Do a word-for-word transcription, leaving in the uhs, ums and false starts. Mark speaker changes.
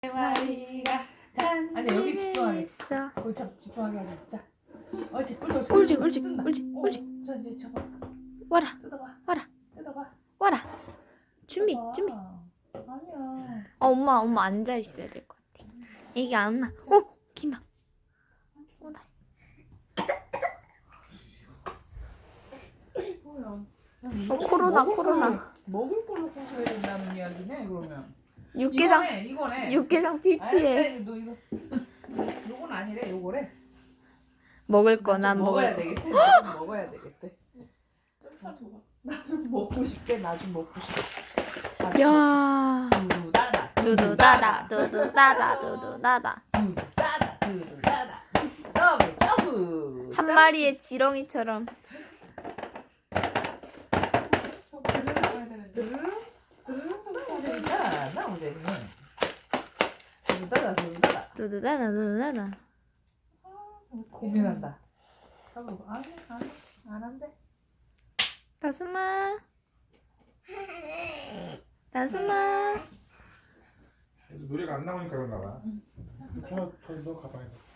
Speaker 1: 마리가 간.
Speaker 2: 아니 여기 집중하게.
Speaker 1: 있어.
Speaker 2: 거기 참 집중하게 하자. 자, 옳지, 옳지, 옳지.
Speaker 1: 옳지, 옳지,
Speaker 2: 뜬다.
Speaker 1: 옳지,
Speaker 2: 어,
Speaker 1: 옳지.
Speaker 2: 자 이제 저거
Speaker 1: 와라,
Speaker 2: 뜯어봐.
Speaker 1: 와라,
Speaker 2: 뜯어봐.
Speaker 1: 와라. 준비,
Speaker 2: 뜯어봐.
Speaker 1: 준비.
Speaker 2: 아니야.
Speaker 1: 어, 엄마, 엄마 앉아 있어야 될 것 같아. 애기 안 나. 어, 긴다. 어, 나.
Speaker 2: 뭐야?
Speaker 1: 어, 코로나,
Speaker 2: 먹을
Speaker 1: 코로나.
Speaker 2: 걸로, 먹을 걸로 꼬셔야 된다는 이야기네 그러면.
Speaker 1: 육개장,
Speaker 2: 이거네, 이거네.
Speaker 1: 육개장 피피해.
Speaker 2: 아니, 너 이거 요건 아니래, 요거래.
Speaker 1: 먹을 거
Speaker 2: 난
Speaker 1: 난
Speaker 2: 좀
Speaker 1: 먹을
Speaker 2: 먹어야
Speaker 1: 거.
Speaker 2: 되겠대. 나 좀 먹어야 되겠대. 나 좀 먹고 싶대. 나 좀 먹고 싶대. 나 좀
Speaker 1: 야,
Speaker 2: 두두다다.
Speaker 1: 두두다다, 두두다다, 두두다다.
Speaker 2: 두두다다. 두두다다. 서브 점프.
Speaker 1: 한 마리의 지렁이처럼.
Speaker 2: 드르륵 드르륵 소리가 되니까 너무 재밌네. 두두다다 두두다다.
Speaker 1: 두두다다, 두두다다.
Speaker 2: 고민한다. 잡아봐. 아니 아니 안 한대.
Speaker 1: 다솜아, 다솜아.
Speaker 3: 노래가 안 나오니까 그런가 봐. 저, 저, 너 가방에.